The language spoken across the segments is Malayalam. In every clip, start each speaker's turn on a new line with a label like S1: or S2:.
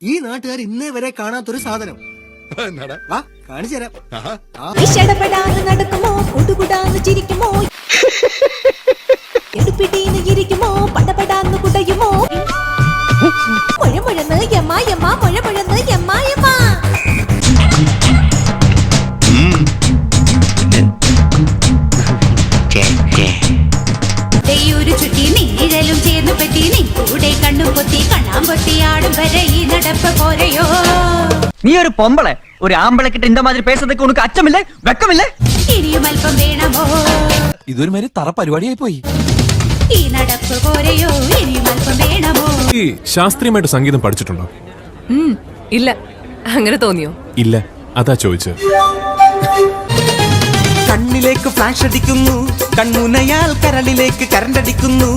S1: ഈ നാട്ടുകാർ ഇന്നേ വരെ കാണാത്തൊരു സാധനം കാണിച്ചു തരാം.
S2: നടക്കുമോ കുടുകുടാന്ന് ചിരിക്കുമോ എടുപ്പിടീന്ന് ഇരിക്കുമോ പടപടാന്ന് കുടയുമോ മുഴമുഴന്ന് യമ്മായമ്മ മുഴമുഴന്ന് യമ്മായമ്മ ഒരു ചുറ്റി നീഴലും ചേർന്നു പറ്റി നീ കൂടെ കണ്ണും പൊത്തി കണ്ണാൻ പൊത്തിയാടും വരെ ഈ നടപ്പ് പോരയോ.
S3: നീ ഒരു പൊമ്പളെ ഒരു ആമ്പളെ കിட்ட இந்த மாதிரி பேசுறதுக்கு உனக்கு அச்சமில்லை வெக்கமில்லை?
S2: ഇനിയും അല്പം വേണമോ?
S4: ഇതൊരു മാതിരി തറ പരിപാടിയായി പോയി.
S2: ഈ നടപ്പ് പോരയോ ഇനിയും അല്പം വേണമോ?
S5: ഈ ശാസ്ത്രീയമായിട്ട് സംഗീതം പഠിച്ചിട്ടുണ്ടോ?
S6: ഇല്ല. അങ്ങനെ തോന്നിയോ?
S5: ഇല്ല, അതാ ചോദിച്ചത്.
S4: കണ്ണിലേക്ക് ഫ്ലാഷ് അടിക്കുന്നു, കൺമുനയാൽ കരളിലേക്ക് കരണ്ടടിക്കുന്നു.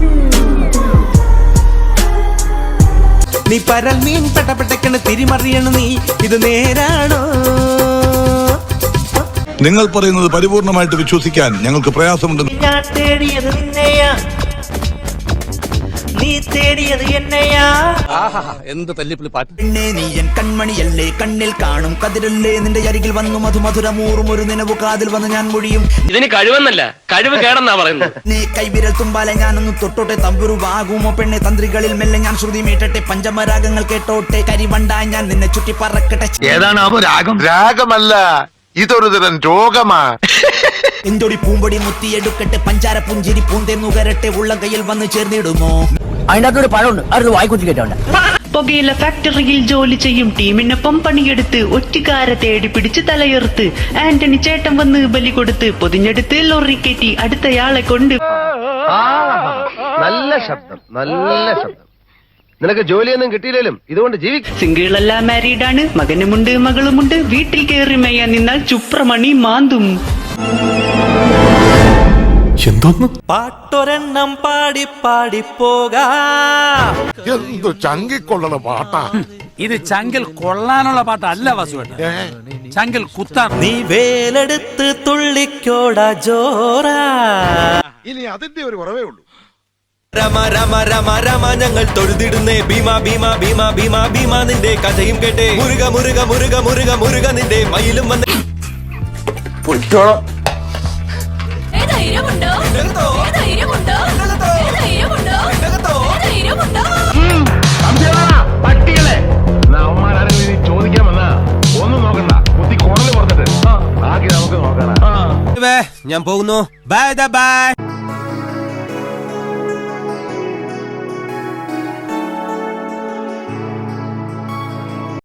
S4: നീ പരൽ മീൻ പെട്ടപ്പെട്ടെക്കണ് തിരിമറിയണ നീ, ഇത് നേരാണോ?
S7: നിങ്ങൾ പറയുന്നത് പരിപൂർണമായിട്ട് വിശ്വസിക്കാൻ ഞങ്ങൾക്ക് പ്രയാസമുണ്ട്.
S8: ഞാൻ തേടിയത് നിന്നെയാ, നീ തേടിയത് എന്നെയാ.
S4: എന്ത് തല്ലിപ്പിളി പാട്ട്.
S9: പിന്നെ നീ എൻ കൺമണിയല്ലേ, കണ്ണിൽ കാണും കതിരല്ലേ, നിന്റെ അരികിൽ വന്നു മധുമധുരമൂറും ഒരു നിലവ് കാതിൽ വന്ന് ഞാൻ മൊഴിയും.
S10: ഇതിന് കഴിവെന്നല്ല, കഴിവ് കേടെന്നാ പറയുന്നത്.
S9: നീ കൈവിരൽ തുമ്പാലെ ഞാനൊന്ന് തൊട്ടോട്ടെ, തമ്പുരുവാകുമോ പെണ്ണെ തന്ത്രികളിൽ മെല്ലെ ഞാൻ ശ്രുതി മീട്ടട്ടെ, പഞ്ചമരാഗങ്ങൾ കേട്ടോട്ടെ, കരിവണ്ടായി ഞാൻ നിന്നെ ചുറ്റി പറക്കട്ടെ.
S7: ഏതാണ് അപ്പൊ രാഗം? രാഗമല്ല, ഇതൊരു തരം രോഗമാ.
S9: എന്തോടി പൂമ്പൊടി മുത്തിയെടുക്കട്ടെ, പഞ്ചാര പുഞ്ചിരി പൂന്തേ നുകരട്ടെ, ഉള്ള കയ്യിൽ വന്ന് ചേർന്നിടുമോ?
S3: അതിനകത്തൊരു പഴമുണ്ട്, അത് വായിക്കുറ്റി കേട്ടോണ്ട്.
S8: പുകയില ഫാക്ടറിയിൽ ജോലി ചെയ്യും ടീമിനൊപ്പം പണിയെടുത്ത് ഒറ്റുകാരെ തേടി പിടിച്ച് തലയുർത്ത് ആന്റണി ചേട്ടൻ വന്ന് ബലി കൊടുത്ത് പൊതിഞ്ഞെടുത്ത് ലോറി കയറ്റി അടുത്തയാളെ കൊണ്ട്.
S10: നല്ല ശബ്ദം, നല്ല ശബ്ദം. നിനക്ക് ജോലിയൊന്നും കിട്ടിയില്ലേലും ഇതുകൊണ്ട് ജീവിക്കും.
S8: സിംഗിളല്ല, മാരീഡാണ്, മകനുമുണ്ട് മകളുമുണ്ട്. വീട്ടിൽ കയറി മേയാൻ നിന്നാൽ ചുപ്രമണി മാന്തും.
S5: എന്തോന്ന്
S4: പാട്ടൊരെണ്ണം പാടി പാടി പോകാ.
S7: എന്തു ചങ്കിക്കൊള്ളണ പാട്ടാ
S11: ഇത്. ചങ്കിൽ കൊള്ളാനുള്ള പാട്ടല്ല വസുവേട്ട, ചങ്കിൽ കുത്താൻ.
S4: നീ വേലെടുത്ത് തുള്ളിക്കോടാ ജോറാ.
S7: ഇനി അതിന്റെ ഒരു കുറവേ ഉള്ളൂ.
S4: രമ രമ രമ രമ ഞങ്ങൾ തൊഴുതിടുന്നേ ഭീമ ഭീമ ഭീമ ഭീമ ഭീമ. നിന്റെ കഥയും കേട്ടേ മുരുക മുരുക മുരുക മുരുക മുരുക. നിന്റെ മയിലും വന്ന്
S10: പട്ടികളെ ചോദിക്കാൻ വന്നാ ഒന്നും നോക്കണ്ട, കുത്തി കോണല് പുറത്തിട്ട് ആക്കി നമുക്ക് നോക്കണം.
S4: ഞാൻ പോകുന്നു. Bye by.